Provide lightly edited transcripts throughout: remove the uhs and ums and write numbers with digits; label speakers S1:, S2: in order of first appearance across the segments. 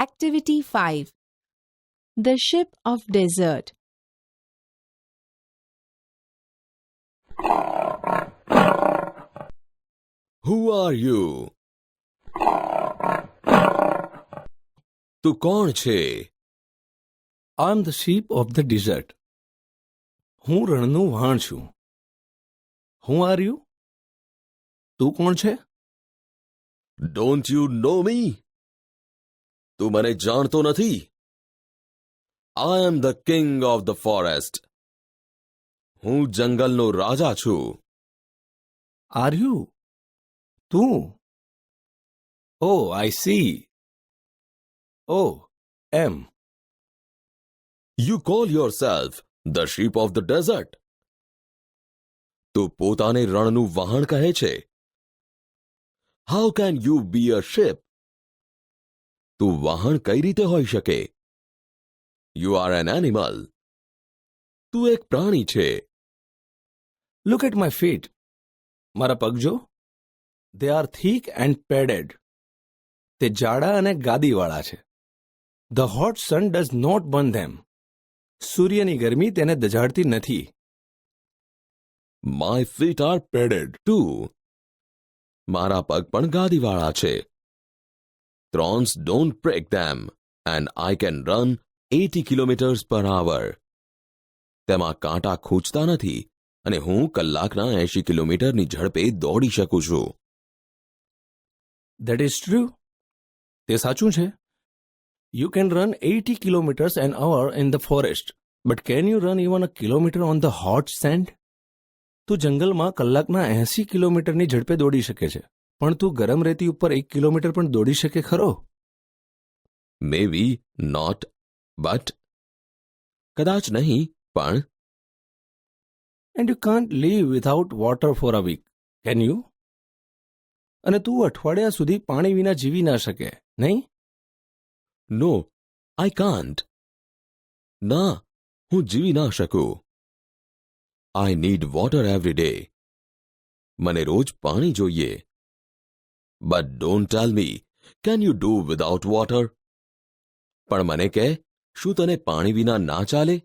S1: Activity 5. The Ship of Desert.
S2: Who are you? તું કોણ છે?
S3: I'm the sheep of the desert. હું રણનું વાણ છું. Who are you? તું કોણ છે?
S2: Don't you know me? તું મને જાણતો નથી? I am the king of the forest. હું જંગલનો રાજા છું.
S3: Are you? તું? Oh, I see. Oh, am.
S2: You call yourself the sheep of the desert. તું પોતાને રણનું વહાણ કહે છે. How can you be a ship? તું વહાણ કઈ રીતે હોઈ શકે? You are an animal. તું એક પ્રાણી છે.
S3: Look at my feet. મારા પગ જો. They are thick and padded. તે જાડા અને ગાદીવાળા છે. The hot sun does not burn them. સૂર્યની ગરમી તેને દઝાડતી નથી.
S2: My feet are padded too. મારા પગ પણ ગાદીવાળા છે. Thorns don't break them and I can run 80 kilometers per hour. તેમાં કાંટા ખૂંચતા નથી અને હું કલાકના 80 કિલોમીટરની ઝડપે દોડી શકું છું.
S3: That is true. તે સાચું છે. You can run 80 kilometers an hour in the forest, but can you run even a kilometer on the hot sand? તું જંગલમાં કલાકના 80 કિલોમીટરની ઝડપે દોડી શકે છે, પણ તું ગરમ રેતી ઉપર 1 કિલોમીટર પણ દોડી શકે ખરો?
S2: Maybe not, but કદાચ નહીં, પણ
S3: And you can't live without water for a week, can you? અને તું અઠવાડિયા સુધી પાણી વિના જીવી ના શકે, નહીં?
S2: No, I can't. ના, હું જીવી ના શકું. I need water every day. મને રોજ પાણી જોઈએ. But don't tell me, can you do without water? પણ મને કહે, શું તને પાણી વિના ના ચાલે?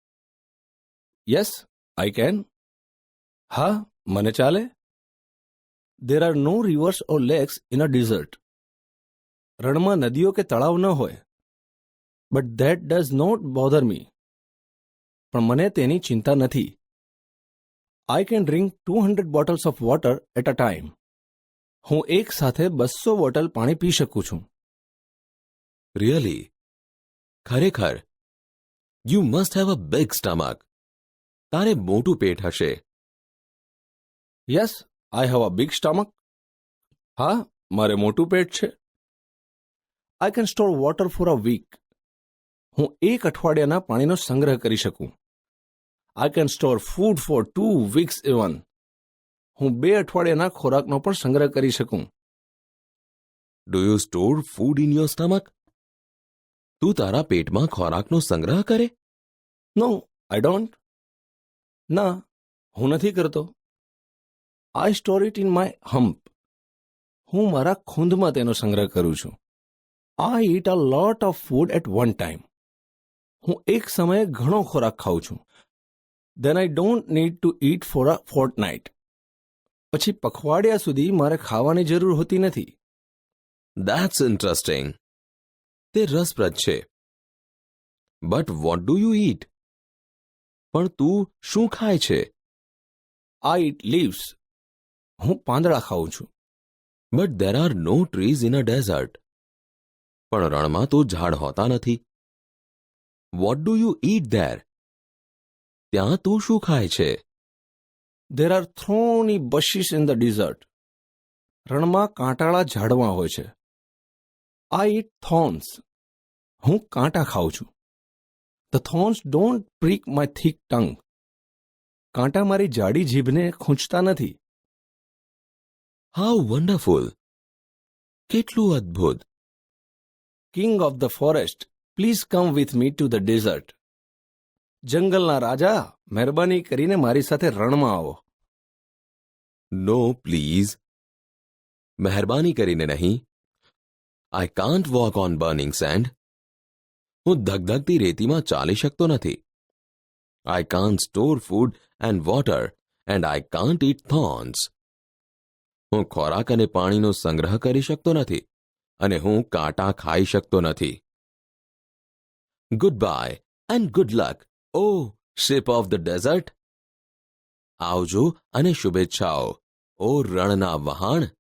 S3: Yes, I can. હા, મને ચાલે. There are no rivers or lakes in a desert. રણમાં નદીઓ કે તળાવ ન હોય. But that does not bother me. પણ મને તેની ચિંતા નથી. I can drink 200 bottles of water at a time. હું એક સાથે 200 બોટલ પાણી પી શકું છું.
S2: Really? ખરેખર? You must have a big stomach. તારે મોટું પેટ હશે.
S3: Yes, I have a big stomach. હા, મારે મોટું પેટ છે. I can store water for a week. હું એક અઠવાડિયાના પાણીનો સંગ્રહ કરી શકું. I can store food for 2 weeks even. હું 2 અઠવાડિયાના ખોરાકનો પણ સંગ્રહ કરી શકું.
S2: Do you store food in your stomach? તું તારા પેટમાં ખોરાકનો સંગ્રહ કરે?
S3: No, I don't. ના, હું નથી કરતો. I store it in my hump. હું મારા ખૂંદમાં તેનો સંગ્રહ કરું છું. I eat a lot of food at one time. હું એક સમયે ઘણો ખોરાક ખાઉં છું. Then I don't need to eat for a fortnight. પછી પખવાડિયા સુધી મારે ખાવાની જરૂર હોતી નથી.
S2: That's interesting. તે રસપ્રદ છે. But what do you eat? પણ તું શું ખાય છે?
S3: I eat leaves. હું પાંદડા ખાઉં છું.
S2: But there are no trees in a desert. પણ રણમાં તો ઝાડ હોતા નથી. What do you eat there? ત્યાં તું શું ખાય છે?
S3: There are thorny bushes in the desert. રણમાં કાંટાળા ઝાડવા હોય છે. I eat thorns. હું કાંટા ખાઉં છું. The thorns don't prick my thick tongue. કાંટા મારી જાડી જીભને ખૂંચતા નથી.
S2: How wonderful! કેટલું અદ્ભુત!
S3: King of the forest, please come with me to the desert. જંગલના રાજા, મહેરબાની કરીને મારી સાથે રણમાં આવો.
S2: No, please. મહેરબાની કરીને નહીં. I can't walk on burning sand. હું ધગધગતી રેતીમાં ચાલી શકતો નથી. I can't store food and water and I can't eat thorns. હું ખોરાક અને પાણીનો સંગ્રહ કરી શકતો નથી અને હું કાંટા ખાઈ શકતો નથી. Goodbye and good luck, O ship of the desert. આવજો અને શુભેચ્છાઓ, ઓ રણના વહાણ.